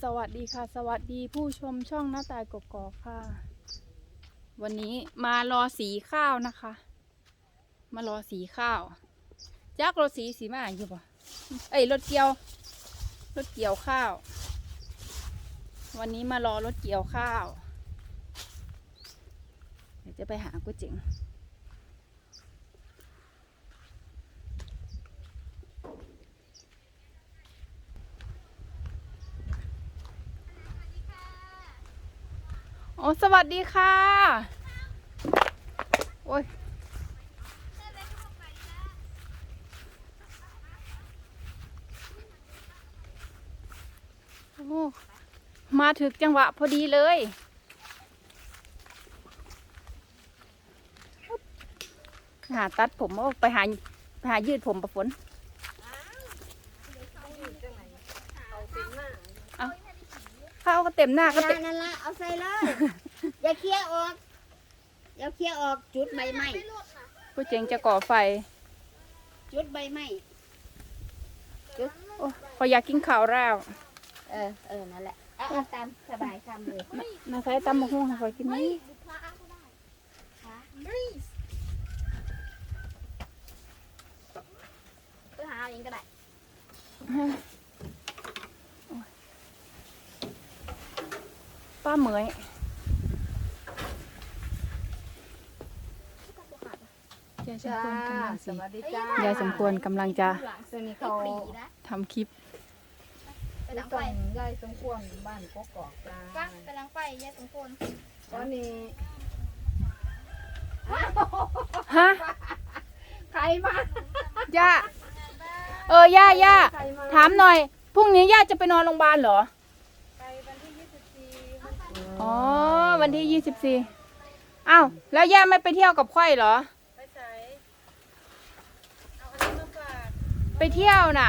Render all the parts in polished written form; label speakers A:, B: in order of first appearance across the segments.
A: สวัสดีค่ะสวัสดีผู้ชมช่องหน้าตายกกอกค่ะวันนี้มารอสีข้าวนะคะมารอสีข้าวจักรถสีมาอยู่ป่ะเอ้ยรถเกี่ยวข้าววันนี้มารอรถเกี่ยวข้าวเดี๋ยวจะไปหาก๋วยเจ๋งโอ้สวัสดีค่ะโอ้ยโอ้มาถึงจังหวะพอดีเลยหาตัดผมเอาไปหายืดผมประฝนเอาเข้าก็เต็มหน้าก็เต็ม
B: นั่นละเอาใส่เลย อย่าเคลียร์ออกจุดใบไม้
A: ผู้เจงจะก่อไฟ
B: จุดใบไม้จุด
A: โอ้พออยากกินข้าวแล้ว
B: นั่นแหละเอาตามสบายทำเลย
A: มาใช้ตำมะฮุ่งให้คอยกินไหม
B: ไปหาเอาเองก็ได้
A: ป้าเหมยยายสมควรกำลัง
C: สวัสดีจ้าย
A: ายสมควรกำลังจะ
C: ซึ่งนี่เขา
A: ทำคลิป
B: ไปหลังไฟ
C: ส่งยายสมควรบ้านกกอกจ้า
B: ฟังไปหลังไฟยายสมควร
C: ตอนนี้
A: ฮะ
C: ใครมา
A: ย่าย่าถามหน่อยพรุ่งนี้ย่าจะไปนอนโรงพยาบาลเหรอ
C: ไปวันที่24
A: อ๋อวันที่24อ้าวแล้วย่าไม่ไปเที่ยวกับค่อยเหรอ
C: ไปใส่เอาอันนี้มาฝาก
A: ไปเที่ยวน่ะ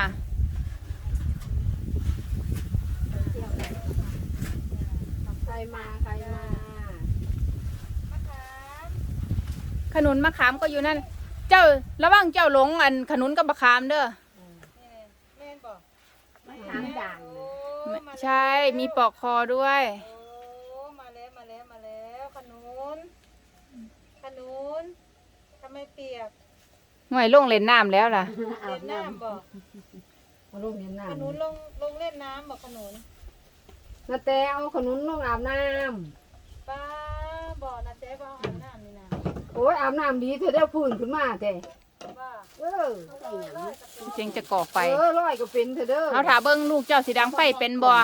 C: ใครมา
A: ขนุนมะขามก็อยู่นั่น เจ้าระวังเจ้าหลงอันขนุนกับมะขามเด้อ
C: แม่นบอก
B: มาถามด่าง
C: โอ้
A: ใช่มีปอกคอด้วย
C: โอ้มาแล้วขนุนทำไมเปียก
A: หน่วยลงเล่นน้ำแล้วล่ะ
C: เล่นน้ำบอก
D: มาลูกเห็นน้
C: ขนุนลงเล่นน้ำบอกขนุน
D: ำนาแต่เอาขนุนลงอาบน้
C: ป้าบอกนะเจ๊บอกอาบน้ำนี่นะ
D: ำโอ้ยอาบน้ำดีเธอได้พื้นขึ้นมาแต่
C: ว่า
D: เออ
A: เจงจะก่อไฟ
D: ร้อยก็เป็นเธอเด้อ
A: เอาถาเบิ้งลูกเจ้าสีดังไฟเป็นบ่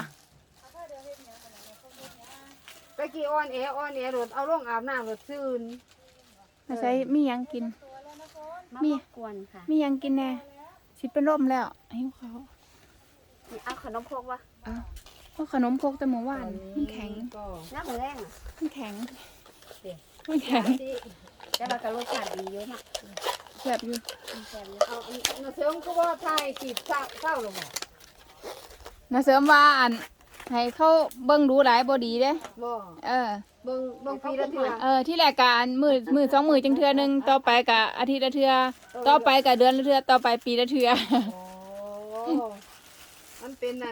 D: ไปกี่อ้อนแอรถเอาลงอาบน้ำรถซื่น
A: ไม่ใช่มีหยังกิน
B: มากวนค่ะ
A: มีหยังกินแน่สิเป็นร่มแล้วหิวเขาว
B: เอาขนมพกวะ
A: เพราะขนมพกแต่หมูหวานมันแข็ง
D: ก็
B: น้ำมือแรง
A: มันแข็งมันแข็ง
B: แต่ว่ากระโลชาติดีเยอะมาก
A: แบบอยู่
B: แซ่บเลย
D: เอานาเสริมก็ว่าทายจีบเศร้าลงบ่
A: นะเสริมว่าอันให้เขาเบิ้งดูหลายบ่ดีเด้
D: บ่
A: เออ
D: เบิ่งปีละเทื่อ
A: ที่แรกกะอันมือสองมือจังเทือหนึงต่อไปกะอาทิตย์ละเทือต่อไปกะเดือนละเทือต่อไปปีละเทือ
D: โอ้มันเป็นนั่น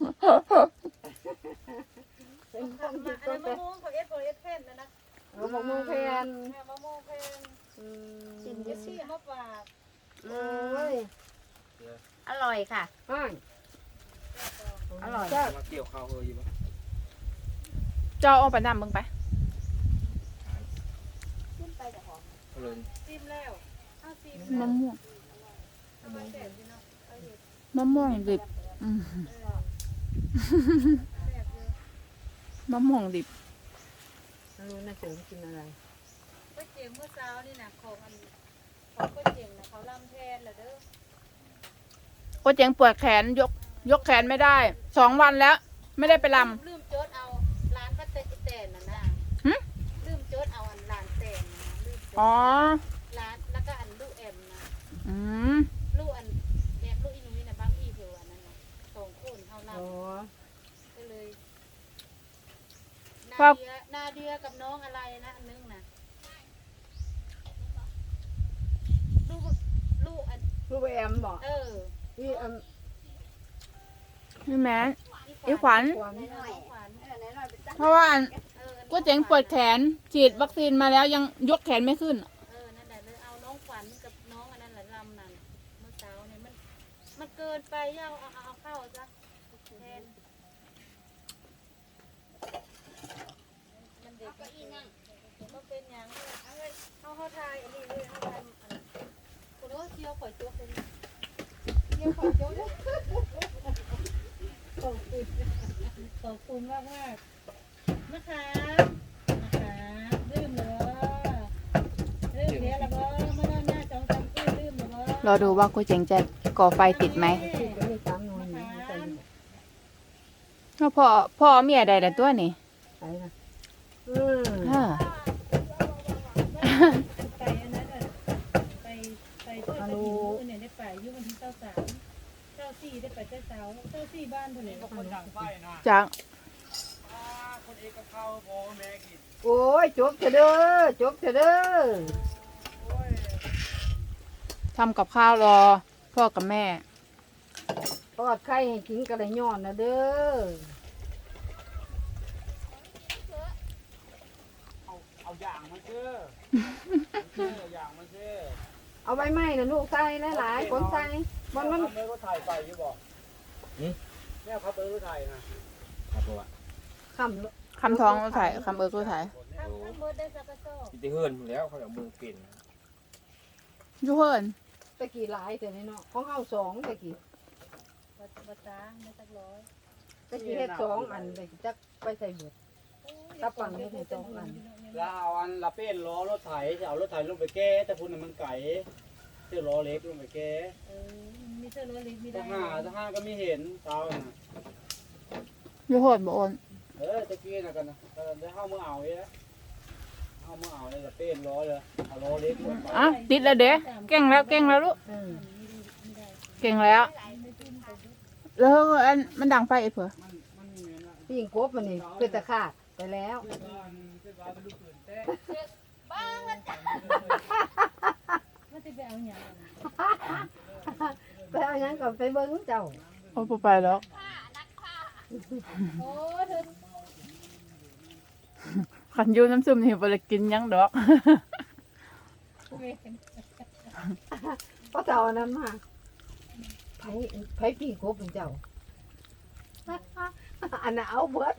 D: เป็นความคิด
C: อัน
D: ก็
C: นั้น
D: ไป
C: มะม่วงเขาเอสเพ่นนะนะ
D: เอาของมือแพน
C: มะม่วงเพ่น
D: เจ็
C: เดี๋ยวซี่มาฝาก
D: โอ้ย
B: อร่อยค่ะ
D: อ้าย
B: อร่อย
D: จ้า
E: มาเกี่ยวข้าวเฮยอยู่ปะ
A: เจ้าเอาไปนำเบิ่งไป
E: เอาเลย
C: ซิมแล้วเอาซิม
A: มะม่วง
C: ทำไมแสบดีเนาะ
A: มะม่วงดิบมะม่วงดิบ
D: ไม่รู้น่าเสริมกินอะไร
C: ก๋วยเตี๋ยวเมื่อเช้านี่นะของก๋วยเตี๋ยวนะเขาลำแทนเหรอเด้อ
A: ก็เจ๋งปวดแขนยกแขนไม่ได้2 วันแล้ว ไม่ได้ไปล
C: ลืมโจดเอาร้านป้าเต้นน่ะนะ
A: หึ
C: ลืมโจดเอาอันร้านเต้นนะลืมโจ
A: ำอ๋อ
C: ดร้านแล้วก็อันลูกแอมนะ
A: อืม
C: ลูกอันแอบลูกอีหนุ่มนี่นะบางอีเดียวอันนั้นน่ะ2 คนเท่านั้น
D: อ๋อ
C: ก็เลย
A: ครั
C: นา
A: บ
C: เดียกับน้องอะไรนะอันนึงนะลูกอัน
D: ลูกแอมบอก
C: เออ
D: นี่
A: นี่แม่
C: อี
A: อีขวัญ
B: น้อยๆน้อยๆเป็นตา
A: เพราะว่าอัน
C: เออ
A: ก็เจ๋งปวดแขนฉีดวัคซีนมาแล้วยังยกแขนไม่ขึ้น
C: นั่นแหละเลยเอาน้องขวัญกับน้องอันนั้นแหละลำนั่นเมื่อเช้าเนี่ยมันเกินไปเอาเข้าซะแทนมันเด็ก
B: ก็อีนั่ง
C: ก็เป็นอย่างเขาทายอันนี้เลยเขาทายคุณว่าเที่ยวข่อยจุกเลยเที่ยวข่อยจุกเลยขอบคุณมากนะคะลืมเลยลืมเนี้ยละบ่มานอนหน้าจองจำลืมละบ่
A: รอดูว่ากูเจ๋งจะก่อไฟติดไหม
D: ก็มีสามหน่วยนี่ใส่
A: เพราะพ่อเมียใดแต่ตัวนี่
D: ใส่นะ
A: ฮะ
C: ไปอันนั้นไปทอดกระถิ่นเนี่ยได้ไปยุ่วันที่เจ้าสี่ได้ไปเจ้าสี่บ้านเท่าไหร่
E: คนดังไฟนะ
A: จัง
E: คนเอกกับข้าวพอแม่กิน
D: โอ้ยจบเถอะเด้อจบเถอะเด้อ
E: โอ้ย
A: ทำกับข้าวรอพ่อกับแม่
D: ทอดไข่ให้กินกระไรย้อนนะเด้อ
E: เอาอย่างมาเชื่ออย่างมาเชื่อ
D: เอาใบไม้นะลูกใส่หลายๆคนใส่มัน
E: เมื่อก็ถ่ายไปอยู่บอกนี่แม่พับก็ถ่ายนะครับผม
D: คำ
A: คำท้องก็ถ่ายคำเอิร์กก็ถ่าย
C: ข้างบนได้สักกระสอบ
E: ติเฮิร์นแล้วเขาเอามือปิ่น
A: ยูเฮิร์น
D: ตะกี้หลายแต่นี่เนาะของเฮาสองตะกี้
C: บัตาไม่สักร้อย
D: ตะกี้เฮ็ดสองอันเลยจักไปใส่เบิด ตับปังเฮ็ดให้สองอัน
E: แล้วเอาอันละเป็นล้อรถไถจะเอารถไถลงไปแก้แต่พุ่นมันไก่เสื้อล้อเล็กลงไปแก้
C: มีเสื้อรถเล็กมี
E: ถ้า
C: ได้
E: ห้าก็ไม่เห็นเตาน่ะ
A: ยูเฮิร์นบ่โอน
E: ตะกี้น่ะกันนะได้เข้ามือเอาเองเข้ามือเอาเลยละเป็นล้อเลยเอาล้อเล็กลงไป
A: อ่ะติดแล้วเด้เก่งแล้วลูก
D: อืม
A: เก่งแล้ว แล้วอันมันดังไฟไอ้เผื่อ
E: มันมีนะ
D: พี่หญิงกบมันนี่เป็นตะขาดไปแล้ว
E: เป็นบ้านเป็นลูกปืนแท้
C: มันจะไปเอาอย่าง
D: ไปเอาหยังก่อนไปเบิ้งเจ้า
A: โอ้ไปแล้ว
C: โอ้เธอ
A: ขันยูน้ำซุปนี่บ่ได้กินหยังดอก
D: เพราะเจ้าอันนั้นมาไผพี่กบเป็นเจ้า อันน่ะเอาเบิด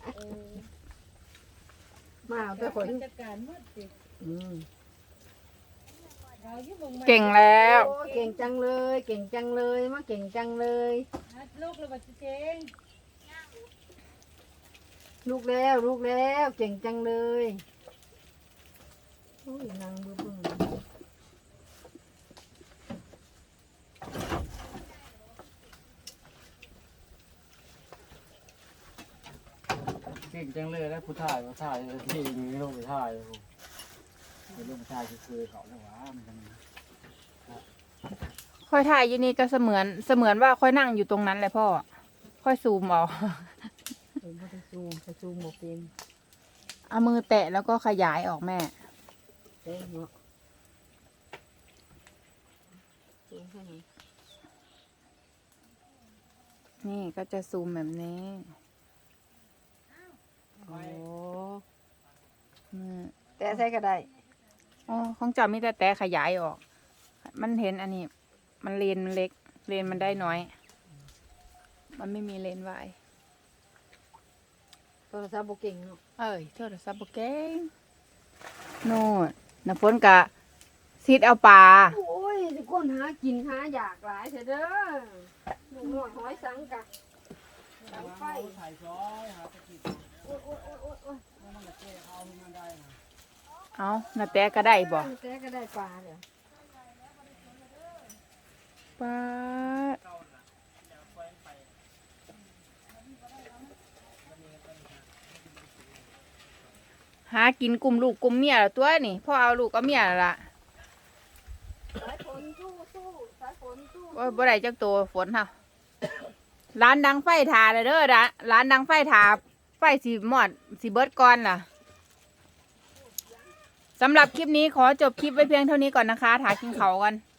D: มาเอาแต่คน
C: จัดการหมดสิ
D: อืม
C: เราอยู่บง
A: เก่งแล้ว
D: โอ้เก่งจังเลย เก่งจังเลยมาเก่งจังเลย
C: ลูกเราบัตเจง
D: ลูกแล้วเก่งจังเลยโอ้ยนางเบื่อ
E: เก่งจังเลยแล้วผู้ถ่ายที่มีลงไปถ่ายเป็นลงไปถ่ายคือเขาเนี่ยว่ามันกัน
A: ค่อยถ่ายอยู่นี่ก็เสมือนว่าค่อยนั่งอยู่ตรงนั้นแหละพ่อ ค่อยซูมเอา
D: เออบ่ได้ซูมไปซูมบ่เป็น
A: เอามือแตะแล้วก็ขยายออกแม่
D: เด้เนาะซูมแค่นี้
A: นี่ก็จะซูมแบบนี้
D: โอ้
A: อืม
D: แต่ใส่ก็ได้
A: อ๋อของเจ้ามีแต่ขยายออก มันเห็นอันนี้ มันเลนมันเล็ก เลนมันได้น้อย มันไม่มีเลนส์วาย
D: โทรศัพท์บ่เก่งเนาะ
A: เอ้ยโทรศัพท์บ่เก่งโน่นน้ำฝนกะซีดเอาปลา
D: โอ้ยทุกคนหากินหาอยากหลายเถอะเด้อลูกน้อยหอยสังกะสังไฟ
E: ถ่ายซอยหาตะกี้
D: โอ้ย
E: มันจะแก้เอามันได้นะ
A: เอานาแต่ก็ได้บ่
D: แต่ก็ได้ปลาเดี๋ยว
A: ปลาหากินกลุ่มลูกกลุ่มเมียแล้วตัวนี่พ่อเอาลูกก็เมียแล้วล่ะ
D: สายฝนสู้สายฝนสู้
A: บ่ได้จักตัวฝนค่ะร้านดังไฟทาเลยเด้อร้านดังไฟทาไฟสีหมอดสีเบิดก่อนล่ะสำหรับคลิปนี้ขอจบคลิปไว้เพียงเท่านี้ก่อนนะคะถากินเขาวกัน